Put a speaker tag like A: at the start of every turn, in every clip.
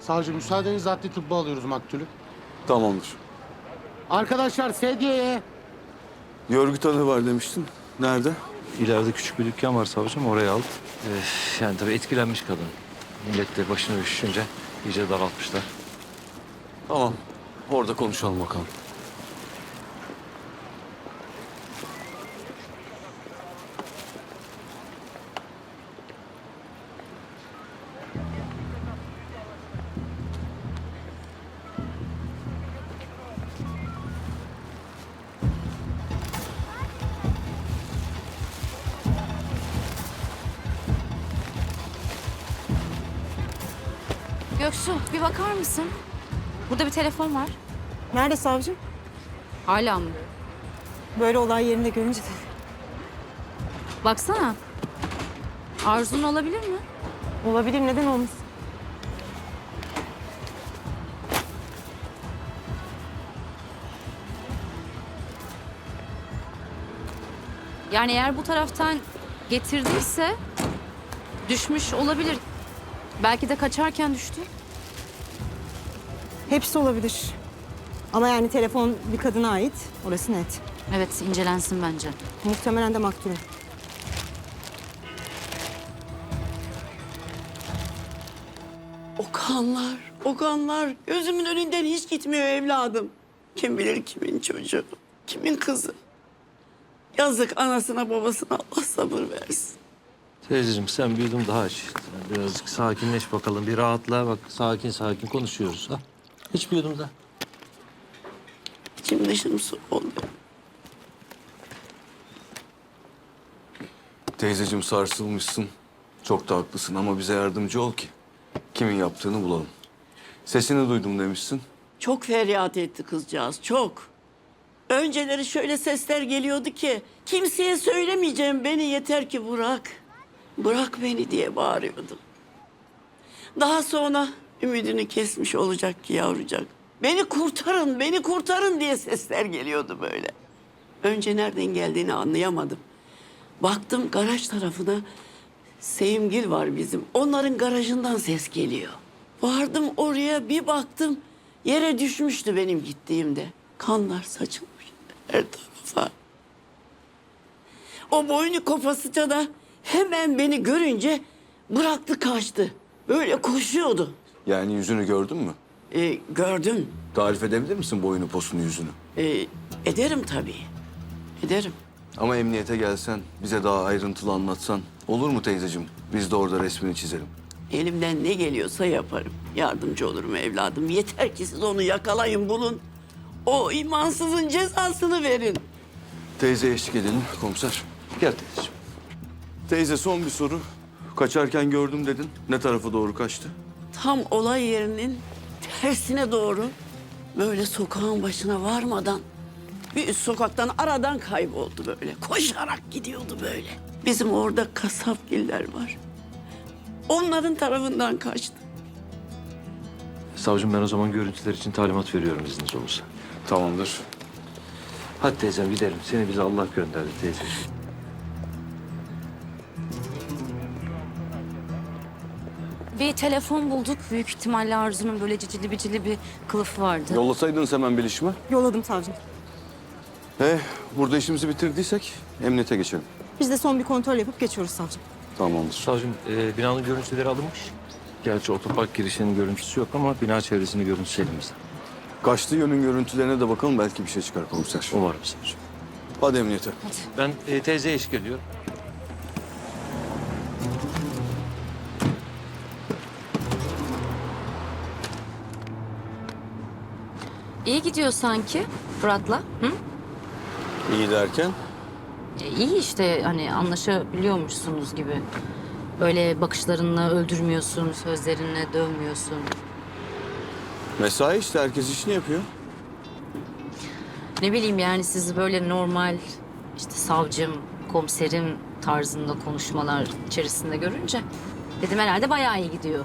A: Savcı müsaadenizle adli tıbba alıyoruz maktulü.
B: Tamamdır.
A: Arkadaşlar sedyeye.
B: Görgü tanığı var demiştin. Nerede?
C: İleride küçük bir dükkan var savcım, oraya al. Yani tabii etkilenmiş kadın. Millet de başını üşüşünce iyice daraltmışlar.
B: Tamam. Orada konuşalım bakalım.
D: Göksu bir bakar mısın? Burada bir telefon var.
E: Nerede savcım?
D: Hala mı?
E: Böyle olay yerinde görünce de.
D: Baksana. Arzu'nun olabilir mi?
E: Olabilir, neden olmasın?
D: Yani eğer bu taraftan getirdiyse düşmüş olabilir. Belki de kaçarken düştü.
E: Hepsi olabilir. Ama yani telefon bir kadına ait, orası net.
D: Evet incelensin bence.
E: Muhtemelen de maktule.
F: O kanlar, o kanlar gözümün önünden hiç gitmiyor evladım. Kim bilir kimin çocuğu, kimin kızı. Yazık anasına babasına Allah sabır versin.
C: Teyzeciğim sen bir yudum daha iç. Birazcık sakinleş bakalım, bir rahatla. Bak sakin sakin konuşuyoruz. Ha? Hiç bir yudum daha.
F: İçim dışım su oldu.
B: Teyzeciğim sarsılmışsın. Çok da haklısın ama bize yardımcı ol ki kimin yaptığını bulalım. Sesini duydum demişsin.
F: Çok feryat etti kızcağız, çok. Önceleri şöyle sesler geliyordu ki kimseye söylemeyeceğim, beni yeter ki bırak. Bırak beni diye bağırıyordu. Daha sonra ümidini kesmiş olacak ki yavrucak. Beni kurtarın, beni kurtarın diye sesler geliyordu böyle. Önce nereden geldiğini anlayamadım. Baktım garaj tarafına, Sevimgil var bizim. Onların garajından ses geliyor. Vardım oraya, bir baktım yere düşmüştü benim gittiğimde. Kanlar saçılmış her tarafa. O boynu kopasıca da hemen beni görünce bıraktı kaçtı. Böyle koşuyordu.
B: Yani yüzünü gördün mü?
F: Gördüm.
B: Tarif edebilir misin boyunu posunu yüzünü?
F: Ederim tabii. Ederim.
B: Ama emniyete gelsen, bize daha ayrıntılı anlatsan olur mu teyzeciğim? Biz de orada resmini çizelim.
F: Elimden ne geliyorsa yaparım. Yardımcı olurum evladım. Yeter ki siz onu yakalayın, bulun. O imansızın cezasını verin.
B: Teyze eşlik edelim komiser.
C: Gel teyzeciğim.
B: Teyze son bir soru. Kaçarken gördüm dedin. Ne tarafa doğru kaçtı?
F: Tam olay yerinin tersine doğru böyle sokağın başına varmadan bir üst sokaktan aradan kayboldu böyle. Koşarak gidiyordu böyle. Bizim orada kasapgiller var. Onların tarafından kaçtı.
C: Savcım ben o zaman görüntüler için talimat veriyorum izniniz olursa.
B: Tamamdır.
C: Hadi teyzem gidelim. Seni bize Allah gönderdi teyzeciğim.
D: Bir telefon bulduk. Büyük ihtimalle Arzu'nun böyle cicili bicili bir kılıfı vardı.
B: Yollasaydınız hemen bilişime.
E: Yolladım savcım.
B: Burada işimizi bitirdiysek emniyete geçelim.
E: Biz de son bir kontrol yapıp geçiyoruz savcım.
B: Tamamdır.
C: Savcım binanın görüntüleri alınmış. Gerçi otopark girişinin görüntüsü yok ama bina çevresinin görüntüsü elimizde.
B: Kaçtığı yönün görüntülerine de bakalım. Belki bir şey çıkar komiser.
C: Umarım savcım.
B: Hadi emniyete.
C: Ben teyzeye eşlik ediyorum.
D: İyi gidiyor sanki Fırat'la. Hı?
B: İyi derken?
D: İyi işte hani anlaşabiliyormuşsunuz gibi. Böyle bakışlarınla öldürmüyorsun, sözlerinle dövmüyorsun.
B: Mesai işte. Herkes işini yapıyor.
D: Ne bileyim yani siz böyle normal işte savcım, komiserim tarzında konuşmalar içerisinde görünce dedim herhalde bayağı iyi gidiyor.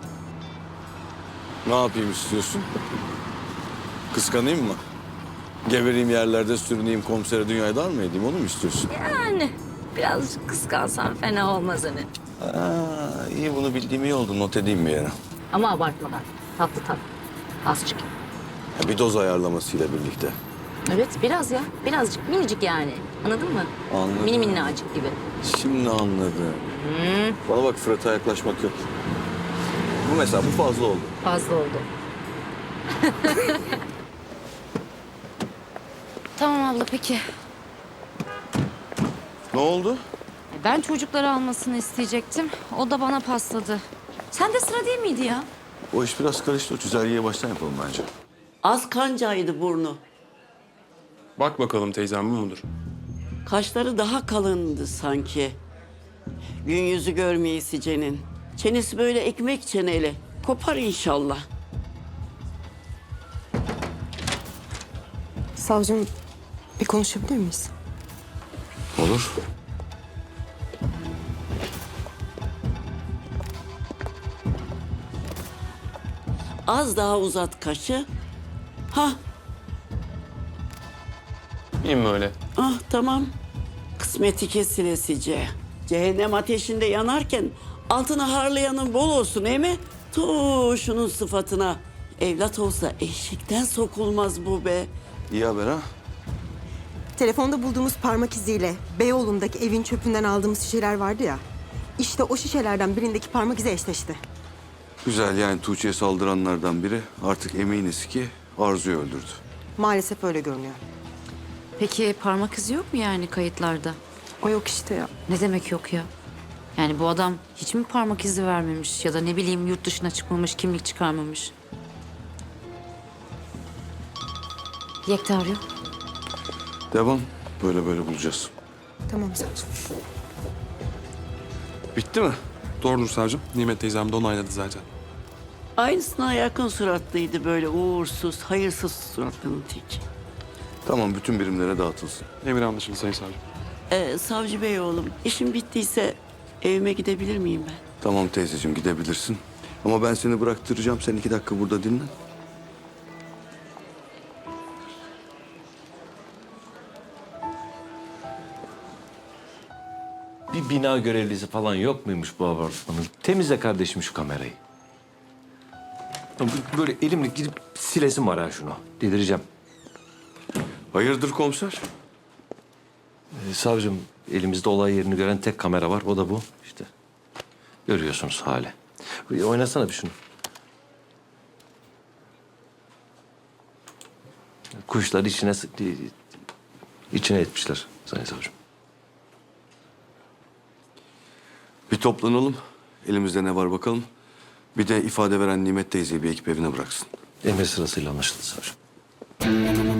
B: Ne yapayım istiyorsun? Kıskanayım mı? Gebereyim yerlerde sürüneyim komisere dünyayı dar mı edeyim? Onu mu istiyorsun?
D: Yani birazcık kıskansan fena olmaz hani.
B: İyi bunu bildiğim iyi oldu. Not edeyim bir yere.
D: Ama abartmadan. Tatlı tatlı. Azıcık.
B: Ya bir doz ayarlamasıyla birlikte.
D: Evet biraz ya. Birazcık minicik yani. Anladın mı?
B: Anladım.
D: Mini minnacık gibi.
B: Şimdi anladım. Bana bak, Fırat'a yaklaşmak yok. Bu mesela, bu fazla oldu.
D: Fazla oldu. Tamam abla peki.
B: Ne oldu?
D: Ben çocukları almasını isteyecektim. O da bana pasladı. Sen de sıra değil miydi ya?
B: O iş biraz karıştı. O çizelgeyi baştan yapalım bence.
F: Az kancaydı burnu.
G: Bak bakalım teyzem bu mudur?
F: Kaşları daha kalındı sanki. Gün yüzü görmeyesi Cenin. Çenesi böyle ekmek çeneli. Kopar inşallah.
E: Savcım bir konuşabilir miyiz?
B: Olur.
F: Az daha uzat kaşı. Ha,
G: İyi mi öyle?
F: ah tamam. Kısmeti kesilesice. Cehennem ateşinde yanarken altına harlayanın bol olsun değil mi? Şunun sıfatına. Evlat olsa eşikten sokulmaz bu be.
B: İyi haber ha.
E: Telefonda bulduğumuz parmak iziyle Beyoğlu'ndaki evin çöpünden aldığımız şişeler vardı ya. İşte o şişelerden birindeki parmak izi eşleşti.
B: Güzel, yani Tuğçe'ye saldıranlardan biri artık eminiz ki Arzu'yu öldürdü.
E: Maalesef öyle görünüyor.
D: Peki parmak izi yok mu yani kayıtlarda?
E: O yok işte ya.
D: Ne demek yok ya? Yani bu adam hiç mi parmak izi vermemiş ya da ne bileyim yurt dışına çıkmamış, kimlik çıkarmamış? Yekta arıyor.
B: Devam. Böyle böyle bulacağız.
E: Tamam savcım.
B: Bitti mi?
G: Doğrudur savcım. Nimet teyzem de onayladı zaten.
F: Aynısına yakın suratlıydı böyle uğursuz, hayırsız suratlının tek.
B: Tamam, bütün birimlere dağıtılsın.
G: Emir anlaşıldı sayın savcım.
F: Savcı Bey oğlum, işim bittiyse evime gidebilir miyim ben?
B: Tamam teyzeciğim, gidebilirsin. Ama ben seni bıraktıracağım. Sen 2 dakika burada dinlen.
C: Bir bina görevlisi falan yok muymuş bu apartmanın? Temizle kardeşim şu kamerayı. Böyle elimle gidip silesim var ha şunu. Delireceğim.
B: Hayırdır komiser?
C: Savcım, elimizde olay yerini gören tek kamera var. O da bu. İşte görüyorsunuz hali. Oynasana bir şunu. Kuşları içine etmişler sayın savcım.
B: Bir toplanalım. Elimizde ne var bakalım. Bir de ifade veren Nimet teyzeyi bir ekip evine bıraksın.
C: Emir sırasıyla anlaşıldı savcım.